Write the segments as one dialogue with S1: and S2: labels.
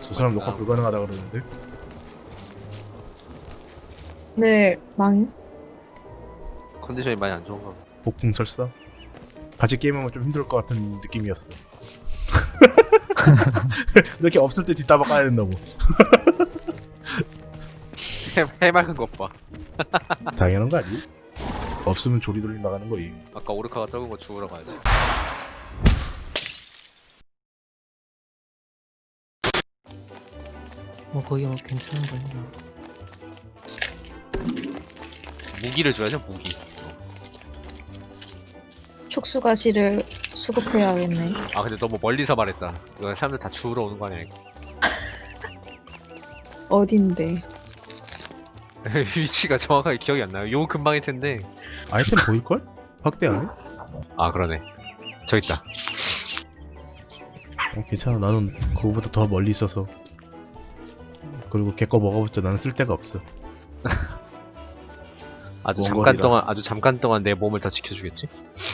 S1: 저 사람 녹화 불가능하다 그러는데.
S2: 네,
S3: 컨디션이 많이 안 좋은가 봐.
S1: 복풍 설사. 같이 게임하면 좀 힘들 것 같은 느낌이었어. 이렇게 없을 때 뒷다박 까야 된다고.
S3: 해맑은 것 봐.
S1: 당연한 거 아니? 없으면 조리돌림 나가는 거임.
S3: 아까 오르카가 적은 거 주우러 가야지.
S4: 뭐 거기 뭐 괜찮은 거냐?
S3: 무기를 줘야죠, 무기.
S2: 촉수가시를 수급해야겠네.
S3: 아 근데 너무 멀리서 말했다. 이거 사람들 다 주우러 오는 거 아니야 이거.
S2: 어딘데?
S3: 위치가 정확하게 기억이 안 나요. 요 근방일 텐데.
S1: 아이템 보일걸? 확대 안 해?
S3: 아 그러네. 저기 있다.
S1: 괜찮아. 나는 그거보다 더 멀리 있어서. 그리고 걔 거 먹어봤자 나는 쓸 데가 없어.
S3: 아주
S1: 원거리라.
S3: 잠깐 동안 내 몸을 더 지켜주겠지?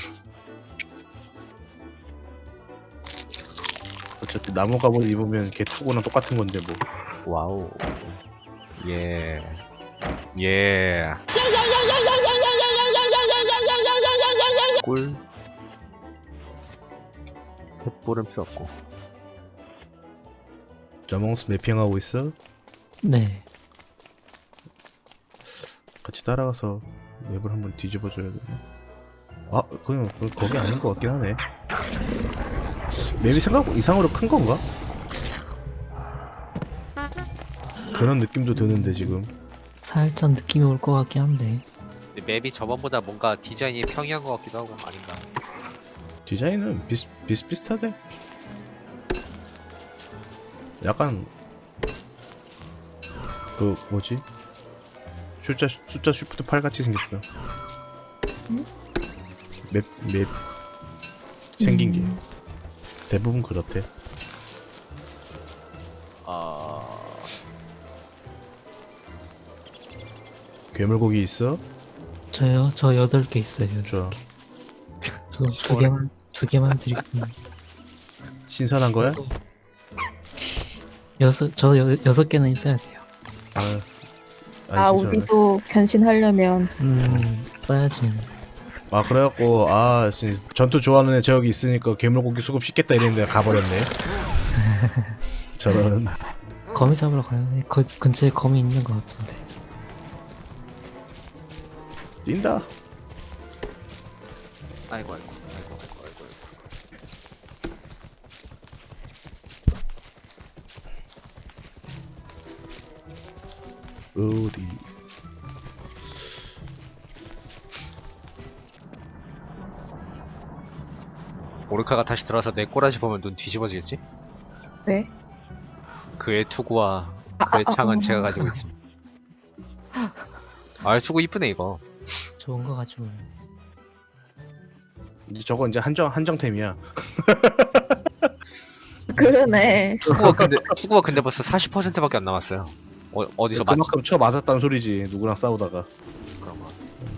S1: 어차피 나무 갑옷 입으면 걔 투구랑 똑같은 건데 뭐.
S3: 와우. 예. 예. 꿀. 횃불은 필요 없고.
S1: 자몽스 매핑하고 있어?
S4: 네.
S1: 같이 따라가서 맵을 한번 뒤집어줘야 되나? 아, 그냥 거기 아닌 것 같긴 하네. 맵이 생각 이상으로 큰 건가? 그런 느낌도 드는데 지금.
S4: 살짝 느낌이 올 것 같긴 한데.
S3: 근데 맵이 저번보다 뭔가 디자인이 평이한 것 같기도 하고 아닌가.
S1: 디자인은 비슷비슷하대. 약간 그 뭐지? 숫자 쉬프트 8 같이 생겼어. 맵 생긴 게 대부분 그렇대. 괴물고기 있어?
S4: 저요? 저 8개 있어요.
S1: 좋아.
S4: 두 개만 드릴게요.
S1: 신선한 거야?
S4: 저 6개는 있어야 돼요.
S1: 아, 신선하네.
S2: 우리도 변신하려면
S4: 써야지.
S1: 아, 그래갖고 전투 좋아하는 애 저기 있으니까 괴물고기 수급 쉽겠다 이랬는데 가버렸네. 저런.
S4: 거미 잡으러 가요. 근처에 거미 있는 것 같은데.
S1: 뛴다.
S3: 아이고.
S1: 어디?
S3: 오르카가 다시 들어와서 내 꼬라지 보면 눈 뒤집어지겠지?
S2: 왜?
S3: 그의 투구와 그의 창은 제가 가지고 있습니다. 아 투구 이쁘네 이거.
S4: 좋은 거 가지고.
S1: 저거 이제 한정템이야.
S2: 그러네.
S3: 투구가 근데 벌써 40%밖에 안 남았어요. 어디서 맞지?
S1: 그만큼 쳐 맞았다는 소리지. 누구랑 싸우다가.
S3: 그런 거.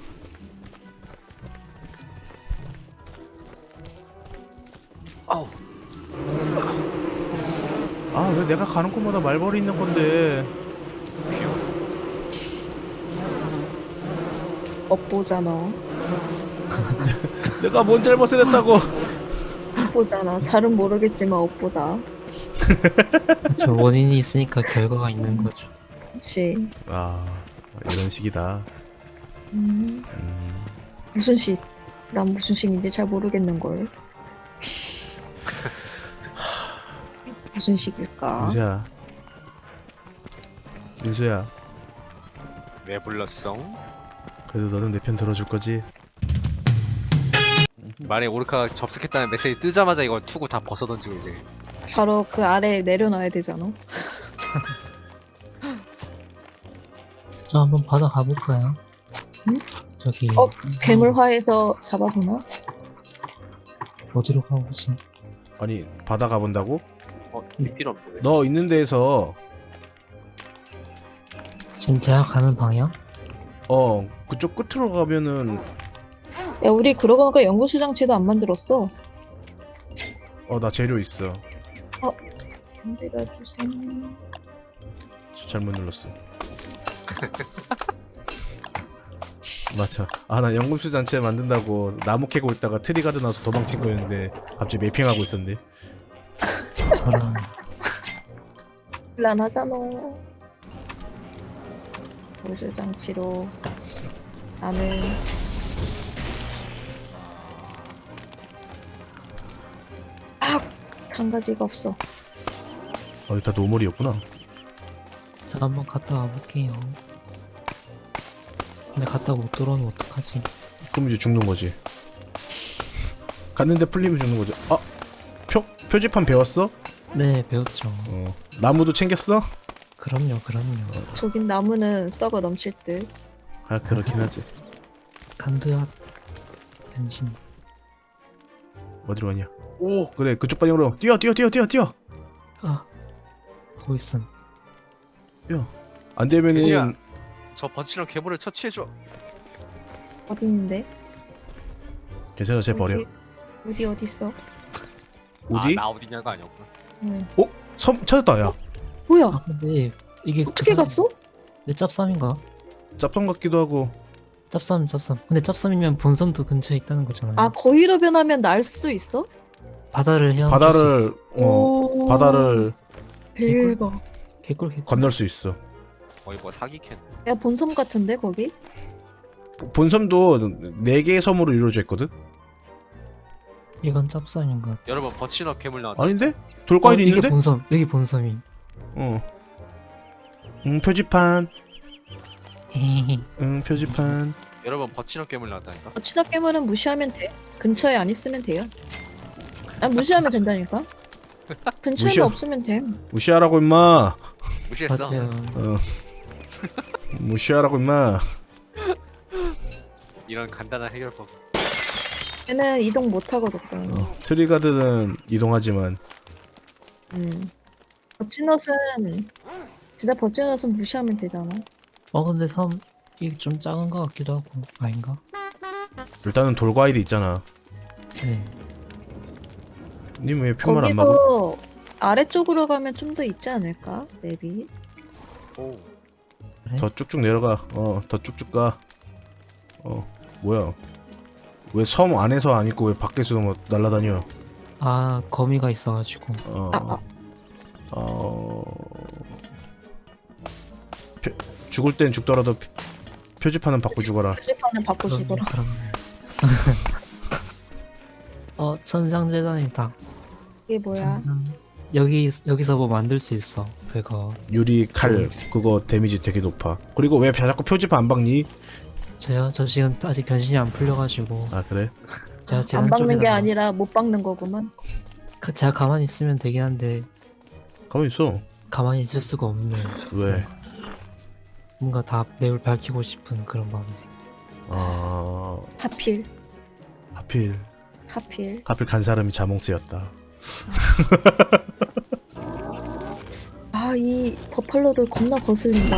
S3: 아우.
S1: 아, 왜 내가 가는 곳마다 말벌이 있는 건데.
S2: 업보잖아.
S1: 내가 뭔 잘못을 했다고.
S2: 업보잖아. 잘은 모르겠지만 업보다.
S4: 저 원인이 있으니까 결과가 있는 거죠.
S2: 그치.
S1: 아, 이런 식이다.
S2: 무슨 식? 난 무슨 식인지 잘 모르겠는걸. 무슨 식일까?
S1: 윤수야.
S3: 왜 불렀어?
S1: 그래도 너는 내 편 들어줄 거지?
S3: 만약에 오르카가 접속했다는 메시지 뜨자마자 이거 투구 다 벗어던지고 이제.
S2: 바로 그 아래에 내려놔야 되잖아.
S4: 저 한번 바다 가볼까요?
S2: 응?
S4: 저기
S2: 괴물화해서 잡아보나?
S4: 어디로 가보지?
S1: 아니, 바다 가본다고?
S3: 필요 없네.
S1: 너 있는 데에서
S4: 지금 제가 가는 방향?
S1: 그쪽 끝으로 가면은
S2: 야, 우리 그러고 보니까 연구수 장치도 안 만들었어.
S1: 나 재료 있어.
S2: 만들어주세요.
S1: 잘못 눌렀어. 맞아. 아, 나 연금술 잔치 만든다고 나무 캐고 있다가 트리 가드 나서 도망친 거였는데 갑자기 매핑하고 있었네.
S4: 저랑
S2: 곤란하잖아. 보조 장치로 나는 한 가지가 없어.
S1: 여기 다 노멀이었구나.
S4: 저 한번 갔다 와볼게요. 근데 갔다 못 돌아오면 어떡하지?
S1: 그럼 이제 죽는 거지. 갔는데 풀리면 죽는 거지. 아, 표지판 배웠어?
S4: 네, 배웠죠.
S1: 나무도 챙겼어?
S4: 그럼요.
S2: 저긴 나무는 썩어 넘칠 듯.
S1: 아, 그렇긴 하지.
S4: 간드앗 변신.
S1: 어디로 가냐?
S3: 오!
S1: 그래, 그쪽 방향으로 뛰어.
S4: 아, 보고 있음.
S1: 뛰어. 안 되면은
S3: 돼지야. 저 번치랑 괴물을 처치해줘.
S2: 어디 있는데?
S1: 괜찮아, 쟤 버려.
S2: 어디 있어?
S1: 어디?
S3: 아, 나 어디냐가 아니었구나.
S2: 응.
S1: 섬 찾았다, 야.
S2: 뭐야?
S4: 아, 근데 이게
S2: 어떻게 갔어?
S4: 내 짭쌈인가?
S1: 짭성 같기도 하고.
S4: 짭쌈. 근데 짭쌈이면 본섬도 근처에 있다는 거잖아요.
S2: 아 거위로 변하면 날 수 있어?
S4: 바다를 헤엄칠 수
S1: 바다를
S4: 있어.
S2: 오.
S1: 바다를
S2: 대박.
S4: 개꿀.
S1: 건널 수 있어.
S3: 거의 뭐 사기캔.
S2: 야 본섬 같은데 거기?
S1: 본섬도 4개의 섬으로 이루어져 있거든.
S4: 이건 짭쌈인가?
S3: 여러분 버치너 괴물 나왔다.
S1: 아닌데? 돌과일이
S4: 이게
S1: 있는데?
S4: 본섬. 여기 본섬이.
S1: 표지판.
S4: 헤헤헤.
S1: 표지판.
S3: 여러분 버치너 괴물 나왔다니까.
S2: 친화 깨물은 무시하면 돼. 근처에 안 있으면 돼요. 아 무시하면 된다니까. 근처에만
S1: 무시하-
S2: 없으면 돼.
S1: 무시하라고 임마.
S3: 무시했어.
S4: 맞아요.
S1: 무시하라고 임마.
S3: 이런 간단한 해결법.
S2: 얘는 이동 못 하거든.
S1: 트리가드는 이동하지만
S2: 버치넛은 진짜 버치넛은 무시하면 되잖아.
S4: 근데 섬 이게 좀 작은 것 같기도 하고 아닌가?
S1: 일단은 돌과일이 있잖아.
S4: 네.
S1: 님 왜 표만 안 막아?
S2: 거기서 아래쪽으로 가면 좀 더 있지 않을까? 맵이.
S3: 오.
S4: 그래?
S1: 더 쭉쭉 내려가. 더 쭉쭉 가. 뭐야? 왜 섬 안에서 안 있고 왜 밖에서 뭐 날라다녀?
S4: 아, 거미가 있어가지고.
S1: 죽을 땐 죽더라도 표지판은 받고 죽어라.
S2: 표지판은 바꿔 죽어라.
S4: 그럼. 천상재단이다.
S2: 이게 뭐야?
S4: 여기서 뭐 만들 수 있어. 그거.
S1: 유리 칼 그거 데미지 되게 높아. 그리고 왜 자꾸 표지판 안 박니?
S4: 저 지금 아직 변신이 안 풀려가지고.
S1: 아 그래?
S4: 제가
S2: 안
S4: 재단
S2: 박는 게
S4: 쪽에다가-
S2: 아니라 못 박는 거구만.
S4: 제가 가만히 있으면 되긴 한데
S1: 가만 있어.
S4: 가만히 있을 수가 없네.
S1: 왜?
S4: 뭔가 다 맵을 밝히고 싶은 그런 마음이지.
S2: 하필
S1: 하필 간 사람이 자몽스였다.
S2: 이 버팔로를 겁나 거슬린다.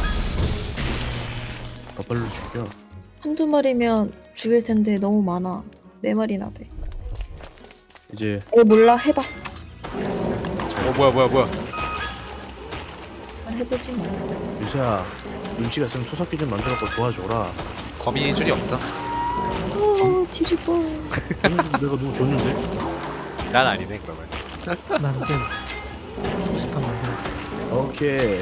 S1: 버팔로 죽여.
S2: 한두 마리면 죽일 텐데 너무 많아. 4마리나 돼.
S1: 이제
S2: 몰라 해봐.
S3: 뭐야.
S2: 해보지 마.
S1: 유세야 눈치가 있으면 투석기 좀 만들어갖고 도와줘라.
S3: 거미줄 줄이 없어.
S2: 뒤집어.
S1: 내가 너무 줬는데?
S3: 난 아니네 그러면.
S4: 만든 시판 만들었어.
S1: 오케이.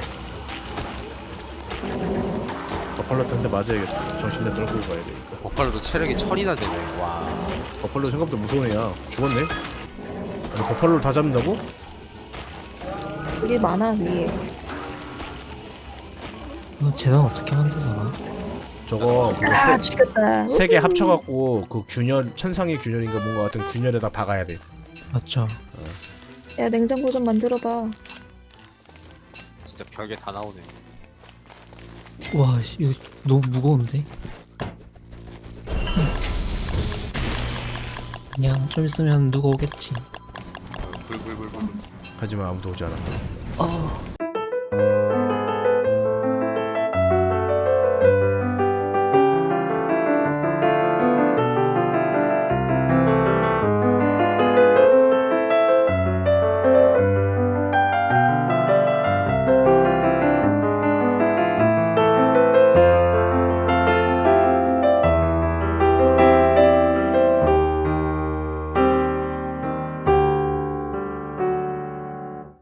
S1: 버팔로한테 맞아야겠다. 정신을 떨고 가야 되니까.
S3: 버팔로도 체력이 1000이나 되네. 와.
S1: 버팔로 생각보다 무서운 애야. 죽었네? 아니 버팔로를 다 잡는다고?
S2: 여기 많아 위에.
S4: 이거 재단 어떻게 만들더라?
S1: 저거 그거
S2: 죽였다.
S1: 3개 합쳐갖고 그 균열 천상의 균열인가 뭔가 같은 균열에다 박아야 돼.
S4: 맞죠?
S2: 야 냉장고 좀 만들어봐.
S3: 진짜 별게 다 나오네.
S4: 와, 이거 너무 무거운데? 그냥 좀 있으면 누가 오겠지.
S3: 불불불불.
S1: 하지만 아무도 오지 않았다.
S4: 아,